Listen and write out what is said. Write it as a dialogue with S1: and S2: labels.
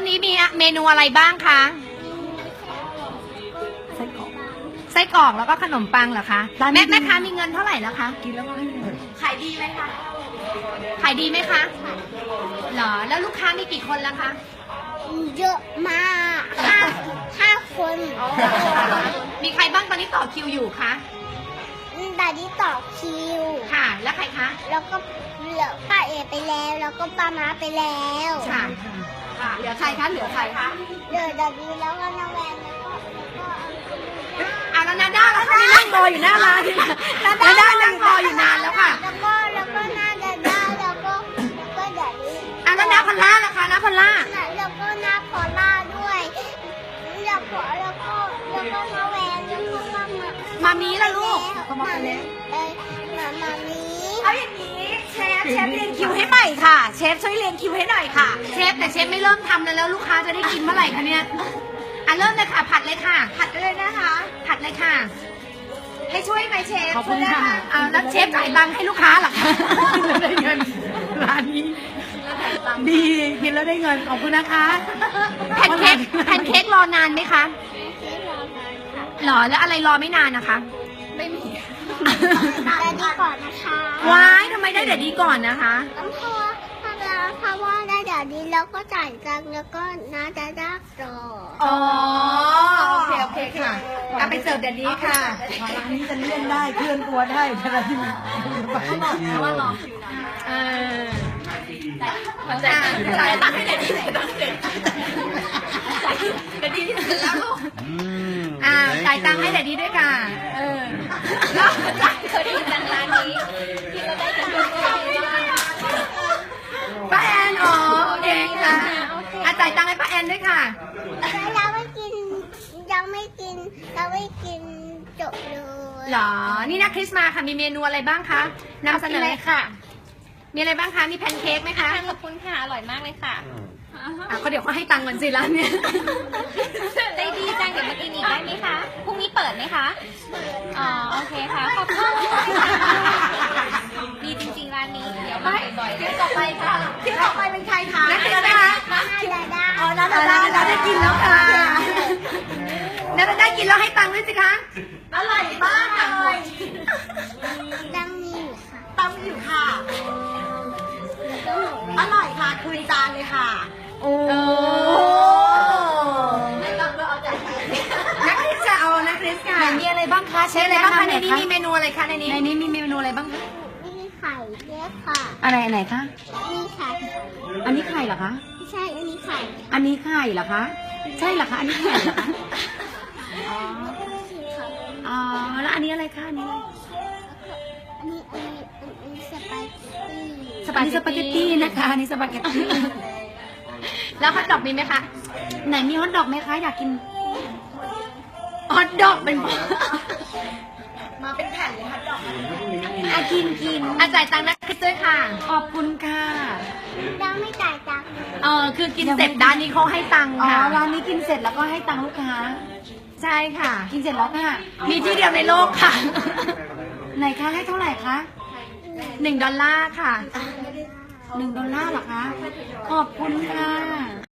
S1: านนี้มีเมนูอะไรบ้างคะไส้กรอกแล้วก็ขนมปังเหรอคะแม่ค้ามีเงินเท่าไหร่แล้วคะกินแล้วก็ให้เงินขายดีไหมคะขายดีไหมคะเหรอแล้วลูกค้ามีกี่คนแล้วคะ
S2: เยอะมากห้าคน
S1: มีใครบ้างตอนนี้ต่อคิวอยู่คะ
S2: ดาดี้ต่อคิว
S1: ค่ะแล้วใครคะ
S2: แล้วก็เหลือป้าเอไปแล้วแล้วก็ป้าม้าไปแล้ว
S1: ค่ะเหลือใครคะเหลือใครคะ
S2: เหลือดาดี้แล้วก็น้องแวน
S1: แล้วนาด้าแล้วค่ะนั่งรออยู่หน้าร้านนาด้านั่งรออยู่นานแล้วค่ะ
S2: แล้วก็หน้าดาด้าแล้วก็ดาดี้
S1: แล้วนาพอลล่าล่ะคะนาพอลล่า
S2: แล้วก็หน้าพอลล่าด้วยแล้วก็น้องแวนแล้วก็
S1: มามีล่ะลูกเขามาแล้ว
S2: มามี
S1: เอาอย่างนี้เชฟเรียงคิวให้ใหม่ค่ะเชฟช่วยเรียงคิวให้หน่อยค่ะเชฟแต่เชฟไม่เริ่มทำแล้วลูกค้าจะได้กินเมื่อไหร่คะเนี่ยเริ่มเลยค่ะผัดเลยค่ะผัดเลยนะคะผัดเลยค่ะให้ช่วยไหมเชฟ
S3: ขอบคุณค่ะ
S1: แล้วเชฟจ่ายตังค์ให้ลูกค้าหรอคะ
S3: ได้เงินร้านนี้ดีกินแล้วได้เงินขอบคุณนะคะ
S1: แพนเค้กรอนานไหมคะหรอแล้วอะไรรอไม่นานนะคะ
S2: ไม่มีแต่ดีก่อนนะคะ
S1: ว้ายทำไมได้แต่ดีก่อนนะคะ
S2: เพราะว่าได้แต่ดีแล้วก็จ่ายตังค์แล้วก็น้าจะได้รอ
S1: อ๋อโอเคค่ะเอาไปเสิร์ฟเดี๋ยวนี้ค่ะ
S3: ร้านนี้จะเลี่ยงได้เคลื่อนตัวได้ใช่ไหมที่
S1: เพราะว่ารอคิวนานจ่ายตังค์ให้เดี๋ยวนี้เลยเดี๋ยวนี้ที่สุดแล้วลูกจ่ายตังค์ให้เดี๋ยวนี้ด้วยค่ะแล้วจ่ายเคยได้ยินร้านนี้ที่เราได้ตังค์ป้าแอนอ๋อโอเคค่ะจ่ายตังค์ให้ป้าแอนด้วยค่ะ
S2: ยังไม่กินจบเลย
S1: หรอนี่นะคริสมาค่ะมีเมนูอะไรบ้างคะนำเสนอเลยค่ะมีอะไรบ้างคะมีแพนเค้กไหมคะ
S4: ขอบคุณค่ะอร่อยมากเลยค่ะ
S1: เขาเดี๋ยวเขาให้ตังค์ก่อนสิร้านเนี่ย
S4: ใจดีจังเดี๋ยวมากินอีกได้ไหมคะพรุ่งนี้เปิดไหมคะอ๋อโอเคค่ะขอบคุณดีจริงๆร้านนี้เดี๋ยวมาบ่อยๆ
S1: ที่ต่อไปค่ะที่ต่อไปเป็นใครคะ
S2: นักเรียน
S1: นะคะ
S2: อ๋อ
S1: นาดาได้กินแล้วค่ะนาดาได้กินแล้วให้ตังค์ด้วยสิคะอร่อยมากเลย
S2: ตังมีอยู่ค่ะ
S1: ตังมีอยู่ค่ะอร่อยค่ะคืนจานเลยค่ะโอ้นักคริสจะเอานักคริสค่ะ
S3: มีอะไรบ้างคะเชฟ
S1: อะไรบ้างคะในนี้มีเมนูอะไรคะในนี้
S3: มีเมนูอะไรบ้างคะ
S2: มีไข่ด้วยค่ะ
S3: อะไรไหนคะ
S2: มีไข่
S3: อันนี้ไข่เหรอคะ
S2: ใช่อันนี้ไข่
S3: อันนี้ไข่เหรอคะใช่เหรอคะอันนี้ไข่เหรอคะอ๋อแล้วอันนี้อะไรคะอันนี้
S2: สปาเกตตี้
S3: นะคะอันนี้สปาเกตตี้
S1: แล้วฮอทดอกมีไหมคะ
S3: ไหนมีฮอทดอกไหมคะอยากกิน
S1: ฮอทดอกเป็นมาเป็นแผ่นเลยฮอทดอก
S3: กิน
S1: จ่ายตังค์นะคริสด้วยค่ะ
S3: ขอบคุณค่ะ
S2: ยังไม่จ่ายตังค์
S1: คือกินเสร็จร้านนี้เขาให้ตังค์ค่ะ
S3: ร้านนี้กินเสร็จแล้วก็ให้ตังค์ลูกค้า
S1: ใช่ค่ะ
S3: กินเสร็จแล้วค่ะ
S1: มีที่เดียวในโลกค่ะ
S3: ไหนคะให้เท่าไหร่คะ
S1: $1ค่ะ
S3: $1เหรอคะขอบคุณค่ะ